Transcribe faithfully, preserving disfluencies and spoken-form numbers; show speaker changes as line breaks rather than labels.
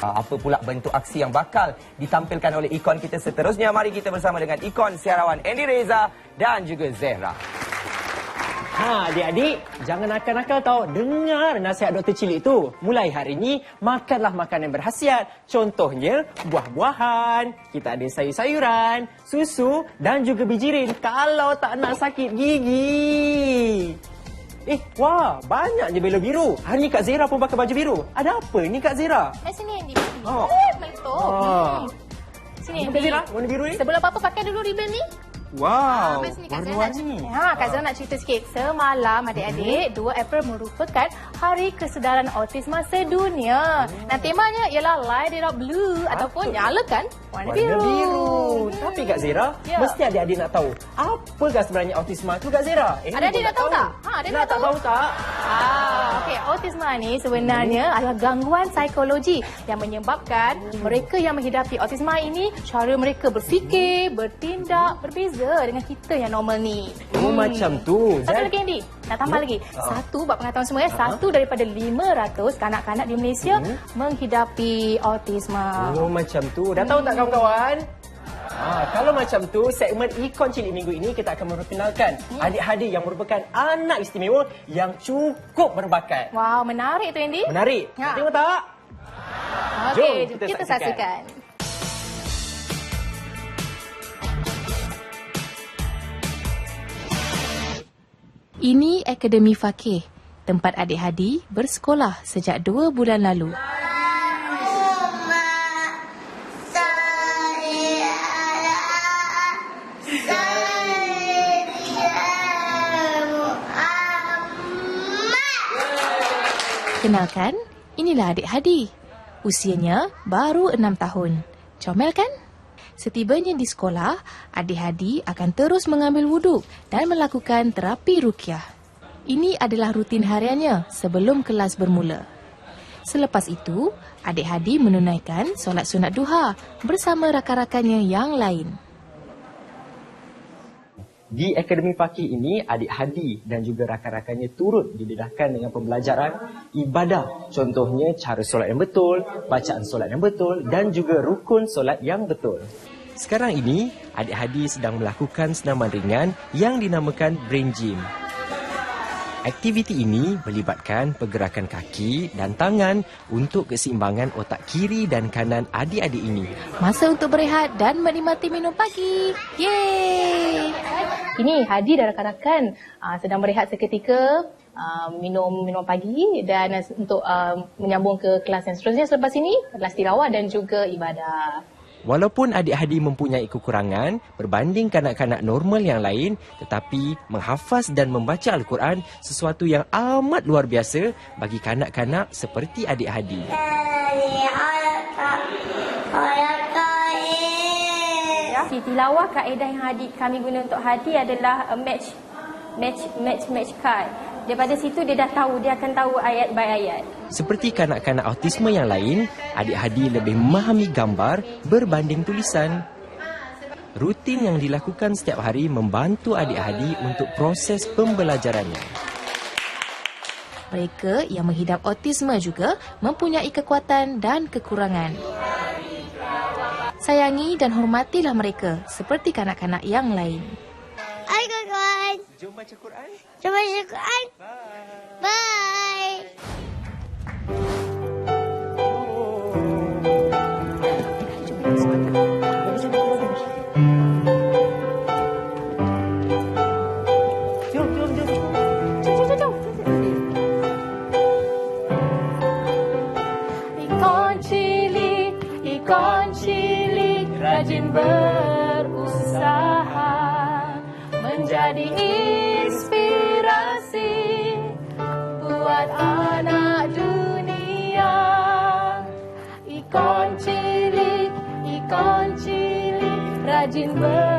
Apa pula bentuk aksi yang bakal ditampilkan oleh ikon kita seterusnya? Mari kita bersama dengan ikon siarawan Andy Reza dan juga Zehra.
Ha, adik-adik, jangan nakal-nakal tau. Dengar nasihat Doktor Cilik tu. Mulai hari ni, makanlah makanan berkhasiat. Contohnya, buah-buahan, kita ada sayur-sayuran, susu dan juga bijirin kalau tak nak sakit gigi. Eh, wah, banyak je belo biru. Hari ni Kak Zehra pun pakai baju biru. Ada apa ni Kak Zehra?
Eh, sini Andy.
Oh.
Eh, meletup.
Ah.
Hmm. Sini
Kak
Andy.
Zehra, warna biru ni?
Sebelum apa-apa pakai dulu ribbon ni.
Wow,
Habis ni Kak Zehra nak
warna-warni.
cerita. Ha, Kak Zehra nak cerita sikit. Semalam adik-adik, dua April merupakan Hari Kesedaran Autisma Sedunia. Nah, temanya ialah Light It Up Blue ataupun nyalakan warna,
Warna
biru.
biru. Tapi Kak Zehra,
Ya.
mesti adik-adik nak tahu. Apakah sebenarnya autisma tu Kak Zehra? Eh,
Ada adik nak tahu tak? Ha, ada
nak
nak
tak
tahu?
tahu tak?
Ah, okey, autisma ni sebenarnya hmm. adalah gangguan psikologi yang menyebabkan hmm. mereka yang menghidapi autisma ini cara mereka berfikir, bertindak berbeza dengan kita yang normal ni.
Oh, macam tu.
Satu
Zat.
lagi Andy, nak tambah
Hmm.
lagi.
Ah.
Satu buat pengetahuan semua ya,
Ah.
satu daripada lima ratus kanak-kanak di Malaysia
Hmm.
menghidapi autisma.
Oh, macam tu. Dah tahu tak kawan-kawan? Ah, kalau macam tu, segmen Ikon Cilik minggu ini kita akan memperkenalkan
Hmm.
adik-adik yang merupakan anak istimewa yang cukup berbakat.
Wow, menarik tu Andy.
Menarik.
Ya.
Tengok tak?
Okey,
Jom
kita,
kita
saksikan.
saksikan.
Ini Akademi Fakih, tempat adik Hadi bersekolah sejak dua bulan lalu. Kenalkan, inilah adik Hadi. Usianya baru enam tahun. Comel kan? Setibanya di sekolah, adik Hadi akan terus mengambil wuduk dan melakukan terapi ruqyah. Ini adalah rutin hariannya sebelum kelas bermula. Selepas itu, adik Hadi menunaikan solat sunat duha bersama rakan-rakannya yang lain.
Di Akademi Fakih ini, adik Hadi dan juga rakan-rakannya turut didedahkan dengan pembelajaran ibadah. Contohnya cara solat yang betul, bacaan solat yang betul dan juga rukun solat yang betul. Sekarang ini, adik Hadi sedang melakukan senaman ringan yang dinamakan Brain Gym. Aktiviti ini melibatkan pergerakan kaki dan tangan untuk keseimbangan otak kiri dan kanan adik-adik ini.
Masa untuk berehat dan menikmati minum pagi. Yeay!
Ini Hadi dan rakan-rakan uh, sedang berehat seketika, uh, minum minum pagi dan uh, untuk uh, menyambung ke kelas yang seterusnya selepas ini, kelas tilawah dan juga ibadah.
Walaupun adik Hadi mempunyai kekurangan berbanding kanak-kanak normal yang lain, tetapi menghafaz dan membaca Al-Quran sesuatu yang amat luar biasa bagi kanak-kanak seperti adik Hadi.
Di tilawah, kaedah yang Hadi, kami guna untuk Hadi adalah uh, match match match match card. Daripada situ dia dah tahu, dia akan tahu ayat by ayat.
Seperti kanak-kanak autisme yang lain, adik Hadi lebih memahami gambar berbanding tulisan. Rutin yang dilakukan setiap hari membantu adik Hadi untuk proses pembelajarannya.
Mereka yang menghidap autisme juga mempunyai kekuatan dan kekurangan. Sayangi dan hormatilah mereka seperti kanak-kanak yang lain.
Hai kawan-kawan.
Jom baca Quran.
Jom baca Quran. Bye.
Jom, jom, jom.
Jom, jom, jom. Ikon cilik, ikon cilik, rajin berusaha menjadi inspirasi buat anak dunia. Ikon cilik, ikon cilik, rajin berusaha